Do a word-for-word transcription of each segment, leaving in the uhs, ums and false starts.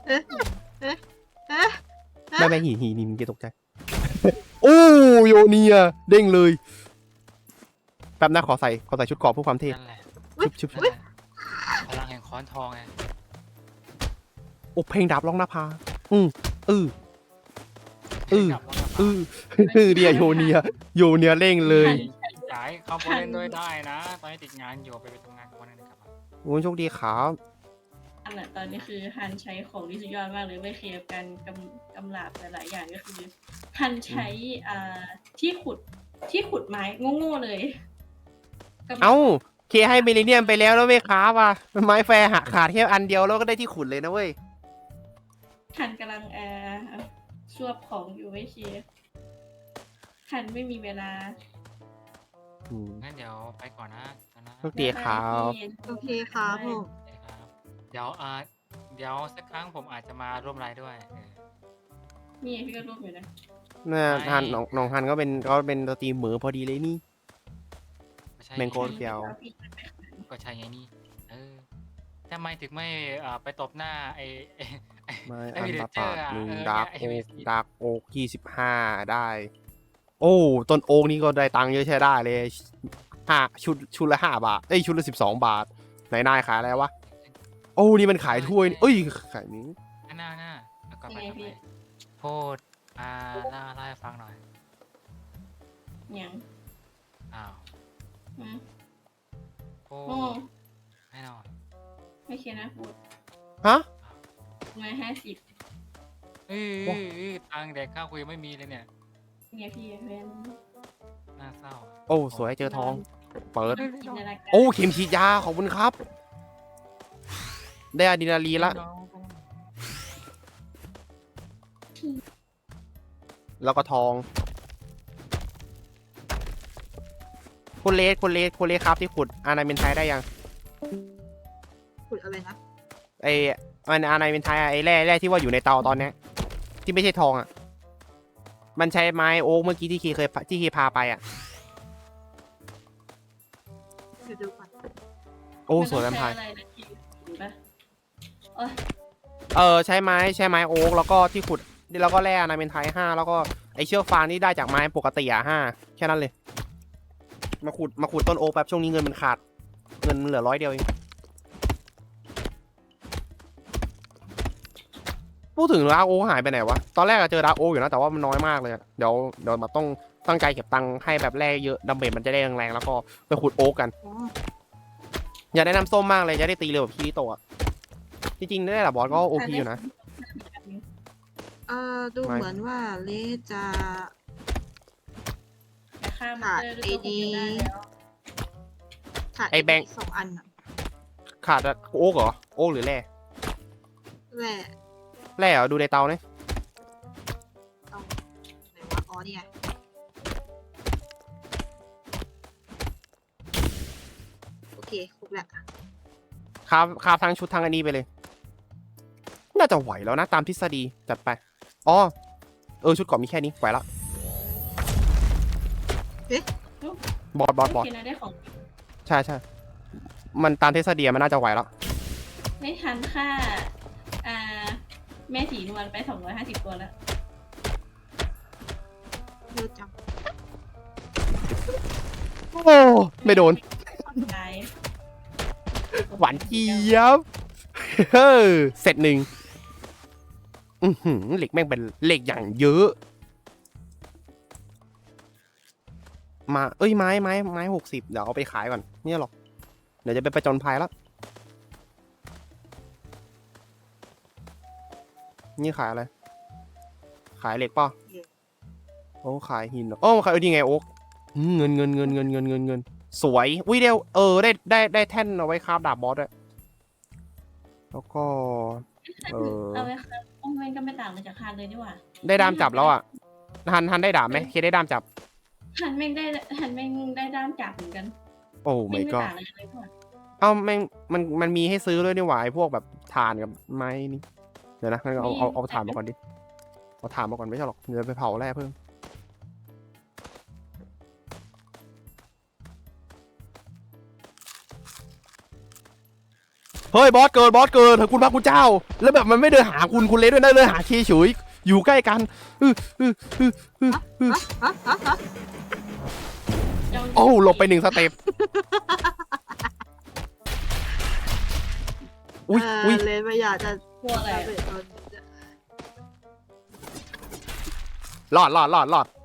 เอ๊ะเอ๊ะเอ๊ะไม่ไม่หินหินหินเกตกใจโอ้โยเนียเด้งเลยแป๊บนะขอใส่ขอใส่ชุดเกราะเพื่อความเท่นั่นแหละชุบชุบนั่นแหละพลังแห่งค้อนทองไงโอ้เพลงดาบร้องหน้าผาอือเออเออจับแล้วเออเออเดียโยเนียโยเนียเร่งเลยย้ายเข้าไปเล่นด้วยได้นะ ตอนนี้ติดงานอยู่ไปไปทำงานวันนึงครับโอ้โชคดีครับอันน่ะตอนนี้คือฮันใช้ของที่สุดยอดมากเลยไม่เคลียร์กันกำกำลาบหลายๆอย่างก็คือฮันใช้อ่าที่ขุดที่ขุดไม้โง่ๆเลยกำเอ้าเคให้มิลเลเนียมไปแล้วแล้วไม่ค้าว่ะไม้แฟร์หักขาดแค่อันเดียวแล้วก็ได้ที่ขุดเลยนะเว้ยฮันกำลังเอ่อชวบของอยู่ไม่เคลียร์ฮันไม่มีเวลาอืมงั้นเดี๋ยวไปก่อนนะตอนนะโชคดีครับโอเคครับผมครับเดี๋ยวอ่าเดี๋ยวสักครั้งผมอาจจะมาร่วมไลฟ์ด้วยเออนี่พี่ก็รูปอยู่นะน่าไม่ฮันน้องน้องฮันก็เป็นก็เป็นสตรีมเหมือพอดีเลยนี่ไม่ใช่แมงโก้ เกี่ยวก็ใช่ไงนี่เออทำไมถึงไม่อ่าไปตบหน้าไอ้ไอ้ไอ้ไม้ไอ้อันวิลเลตาเจอปาร์ดอ่ะหนึ่งเออดาร์กไอ้โอ๊วิกลดาร์กโอ๊กยี่สิบห้าได้ โอ้ต้นโอ๊กนี่ก็ได้ตังค์เยอะใช้ได้เลยห้าชุดชุดละห้าบาทเอ้ยชุดละสิบสองบาทไหนนายขายอะไรวะโอ้นี่มันขายถ้วยนี่เอ้ยขายนี้หน้าหน้าแล้วก็ไปยังไงต่อพี่ไปพูดอ่าเล่าเล่าให้ฟังหน่อยยังอ้าวอืมพูโอ้ดให้หน่อยไม่เคลียร์นะพูดฮะมาห้าสิบเอ้ยเอ้ยเอ้ยตังค์แดกข้าวคุยไม่มีเลยเนี่ยเนี่ยพี่เพื่อนน่าเศร้าโอ้สวยเจอทอง เปิดจินตนาการโอ้เข็มฉีดยาขอบคุณครับ ได้อะดรีนาลีนละ แล้วก็ทองคุณเลสคุณเลสคุณเลสครับที่ขุดอานาเมนไทยได้ยังขุดอะไรนะไอมันอานาเมนไทยอะไอแร่แร่ที่ว่าอยู่ในเตาตอนเนี้ยที่ไม่ใช่ทองอ่ะมันใช้ไม้โอ๊กเมื่อกี้ที่เคเคยที่เคพาไปอ่ะเดี๋ยวดูก่อนโอ้สวยแวมไพนร์ต้องใช้อะไรนะพี่ดูปะโอ้ยเออใช้ไม้ใช้ไม้โอ๊กแล้วก็ที่ขุดแล้วก็แร่อานาเมนไทยห้าแล้วก็ไอเชือกฟางที่ได้จากไม้ปกติอ่ะห้าแค่นั้นเลยมาขุดมาขุดต้นโอ๊กแบบช่วงนี้เงินมันขาดเงินมันเหลือร้อยเดียวเองพูดถึงดาร์กโอ๊กหายไปไหนวะตอนแรกอะเจอดาร์กโอ๊กอยู่นะแต่ว่ามันน้อยมากเลยอะเดี๋ยวเดี๋ยวแบบต้องตั้งใจเก็บตังค์ให้แบบแร่เยอะดัมเบลมันจะได้แรงๆแล้วก็ไปขุดโอ๊กกันอ๋ออยากได้น้ำส้มมากเลยจะได้ตีเร็วแบบคีริโตะอะจริงๆได้แหละบอสก็โอพีอยู่นะเอ่อดูไม่เหมือนว่าเลสจะแต่ฆ่ามอนเตอร์ด้วยตัวคนเดียวได้แล้วขาดไอ้แบงค์สองอันอะขาดโอ๊กเหรอโอ๊กหรือแร่แหละแร่เหรอดูในเตาเนี่ยต้องไหนวะอ๋อนี่ไงโอเคครบแล้วคาบคาบทั้งชุดทั้งอันนี้ไปเลย น่าจะไหวแล้วนะตามทฤษฎีจัดไปอ๋อเออชุดเกราะมีแค่นี้ไหวละบอสบอสบอสโอเคนะได้ของใช่ใช่มันตามทฤษฎีมันน่าจะไหวแล้วไม่ทันค่าอ่าแม่สีนวลไปสองร้อยห้าสิบตัวแล้วเยอะจังโอ้ไม่โดนตายหวานเจี๊ยบเฮ้อเสร็จหนึ่งอือหือเหล็กแม่งเป็นเหล็กอย่างเยอะ มาเอ้ยไม้ไม้ไม้หกสิบเดี๋ยวเอาไปขายก่อนเนี่ยหรอกเดี๋ยวจะไปประจนภัยแล้วนี่ขายอะไร ขายเหล็กป่ะโอ้ขายหินเหรอโอ้ขายเออนี่ไงโอ๊กอืมเงินเงินเงินเงินเงินเงินเงินสวยอุ้ยเดียวเออได้ได้ได้แท่นเอาไว้คราฟดาบบอสด้วยแล้วก็เออเอาไว้ครับโอ้ยก็ไม่ต่างมาจากฮันเลยนี่หว่าได้ดามจับแล้วอ่ะฮันฮันได้ดาบไหมเคได้ดามจับฮันแม่งได้ฮันแม่งได้ด้ามจับเหมือนกันโอ้แม่ไม่งไม่ก็ต่างอะไรเลยนี่หว่าเอ้าแม่งมันมันมีให้ซื้อด้วยนี่หว่าไอ้พวกแบบถ่านกับไม้นี่เดี๋ยวนะงั้นเอาเอาเอาถ่านมาก่อนดิเอาถ่านมาก่อนไม่ใช่หรอกเดี๋ยวไปเผาแร่เพิ่มเฮ้ยบอสเกินบอสเกินเถอะคุณพระคุณเจ้า แล้วแบบมันไม่เดินหาคุณคุณเลสด้วยนะเดินหาเคเฉยอยู่ใกล้กันอื้ออื้ออื้ออื้ออื้อฮะฮะฮะโอ้หลบไปหนึ่งสเต็ปอุ้ยเอออุ้ยเลนไม่อยากจะกลัวอะไรจะอะเป็นตอนรอดรอดรอดรอด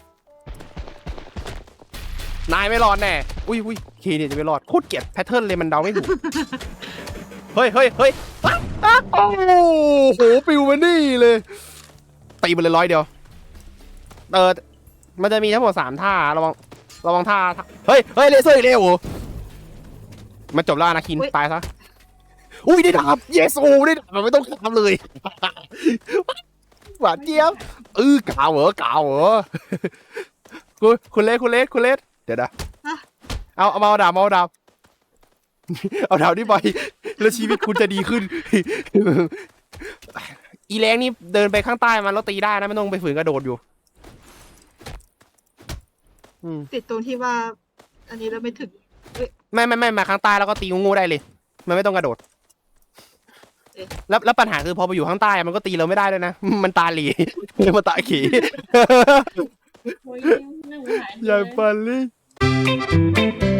นายไม่รอดแน่อุ้ยอุ้ยเคเนี่ยจะไม่รอดโคตรเกลียดแพทเทิร์นเลยมันเดาไม่ถูกเฮ้ยเฮ้ยเฮ้ยอ๊ะอ๊ะโอ้โหปิวมานี่เลยตีไปเลยร้อยเดียวเออมันจะมีทั้งหมดสามท่าระวังระวังท่าเฮ้ยเฮ้ยเลเซอร์อีกแล้วโอ้มันจบแล้วอนาคินตายซะอุ้ยได้ดาบเยซูได้ดาบมันไม่ต้องทำเลยหวานเจี๊ยบเออกาวเหรอกาวเหรอคุณคุณเลสคุณเลสคุณเลสเดี๋ยวนะเอาเอามาเอาดาบมาเอาดาบเอาดาบนี่ไปแล้วชีวิตคุณจะดีขึ้นอีแรงนี่เดินไปข้างใต้มันแล้วตีได้นะไม่ต้องไปฝืนกระโดดอยู่อืมติดตรงที่ว่า อันนี้เราไม่ถึงไม่ไม่ไม่มาข้างใต้แล้วก็ตีงูได้เลยมันไม่ต้องกระโดดแล้วแล้วปัญหาคือพอไปอยู่ข้างใต้มันก็ตีเราไม่ได้ด้วยนะมันตาหลีมันตาขี่โอ้ยน่าสงสารใหญ่ปันลี่